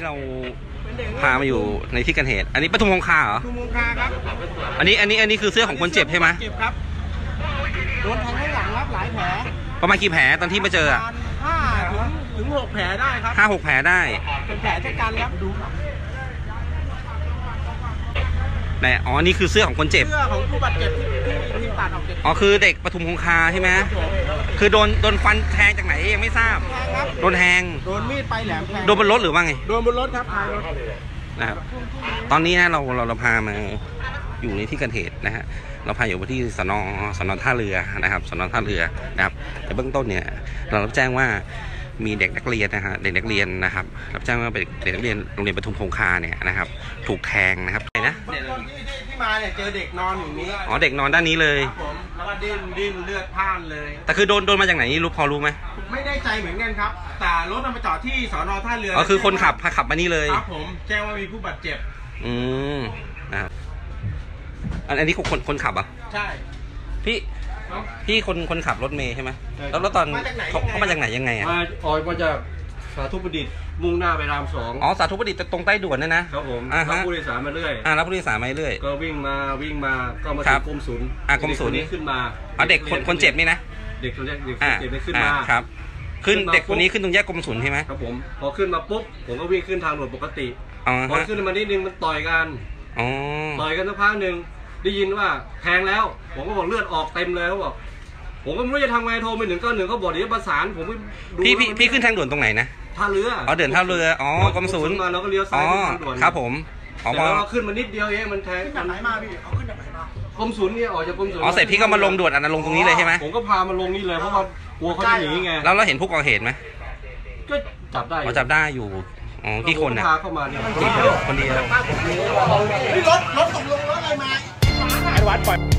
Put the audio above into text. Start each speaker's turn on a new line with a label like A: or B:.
A: เราพามาอยู่ในที่เกิดเหตุอันนี้ปทุมคงคาเหรอ
B: ปทุมคงคาครับ
A: อันนี้คือเสื้อของคนเจ็บใช่ไหม
B: เจ็บครับโดนแทงข้างหลังครับหลายแผล
A: ประมาณกี่แผลตอนที่มาเจอ
B: 5 ถึง 6 แผลได้ครับ
A: 5-6 แผลได้
B: เป็นแผลชะกันครับดู
A: แต่อ๋อนี่คือเสื้อของคนเจ็บ
B: เสื้อของผู้บาดเจ็บที่ตัดออกจาก
A: อ๋อคือเด็กปทุมคงคาใช่ไหมคือโดนฟันแทงจากไหนยังไม่ทราบโดนแทง
B: โดนมีดไปแหลมแทง
A: โดนบนรถหรือว่าไง
B: โดนบนรถครับท้ายรถ
A: นะครับตอนนี้นะเราพามาอยู่ในที่เกิดเหตุนะฮะเราพาอยู่ที่สน.ท่าเรือนะครับสน.ท่าเรือนะครับแต่เบื้องต้นเนี่ยเรารับแจ้งว่ามีเด็กนักเรียนนะฮะเด็กนักเรียนนะครับรับแจ้งว่าเป็นเด็กนักเรียนโรงเรียนปทุมคงคาเนี่ยนะครับถูกแทงนะครับไหนนะ
B: ที่มาเนี่ยเจอเด็กนอนอยู่นี้
A: อ๋อเด็กนอนด้านนี้เลย
B: ผมแล้วก็ดิ้นเลือดพล่านเลย
A: แต่คือโดนมาจากไหนนี่พอรู้ไหม
B: ไม่ได้ใจเหมือนกันครับแต่รถมาจอดที่สน.ท่าเรือ
A: อ๋อคือคนขับมานี่เลย
B: ครับผมแจ้งว่ามีผู้บาดเจ็บ
A: นะครับอันนี้คนขับอ่ะ
B: ใช่
A: พี่คนขับรถเมย์ใช่ไหมแล้วตอนเขามาจากไหนยังไงอ่ะ
C: มาจากสาธุประดิษฐ์มุ่งหน้าไปราม2
A: อ๋อสาธุประดิษฐ์ตรงใต้ด่วนนั่นนะครับ
C: ผมรับผู้โดยสารมาเรื่อย
A: รับผู้โดยสารมาเรื่อย
C: ก็วิ่งมาก็มาถึงกรมศูนย์
A: กรมศูนย์
C: นี้ขึ้นมา
A: เด็กคนเจ็บนี่นะ
C: เด็กคนเจ็บได้ขึ้นมา
A: ครับขึ้นเด็กคนนี้ขึ้นตรงแยกกรมศูนย์ใช่ไหม
C: ครับผมพอขึ้นมาปุ๊บผมก็วิ่งขึ้นทางด่วนปกติพอขึ้นมานิดนึงมันต่อยกันสักพักหนึ่งได้ยินว่าแทงแล้วผมก็บอกเลือดออกเต็มเลยเขาบอกผมก็ไม่รู้จะทำไงโทรไป191เขาบอกเดี๋ยวประสานผมดู
A: พี่ขึ้นทางด่วนตรงไหนนะ
C: ท่าเรือ
A: เดินท่าเรือกรมศูนย์
C: มาแล้วก็เลี้ยวซ้ายทางด่วน
A: ครับผม
C: แล้วขึ้นมานิดเดียวเองมันแทง
B: จากไหนมาพี่เอาขึ้นจากไหนมาก
C: รมศูนย์นี่ออกจากกรมศูนย์
A: เสร็จพี่ก็มาลงด่วนลงตรงนี้เลยใช่ไหม
C: ผมก็พามาลงนี่เลยเพราะว่ากลัวเขาจะหนีไง
A: แล้วเราเห็นผู้ก่อเหตุไหม
C: ก็จับได้
A: จับได้อยู่กี่คนนะ
C: พาเข้ามาเนี่ย
A: คนเดียว
B: รถตกลงรถอะไรมาไอ้วัดปล่อย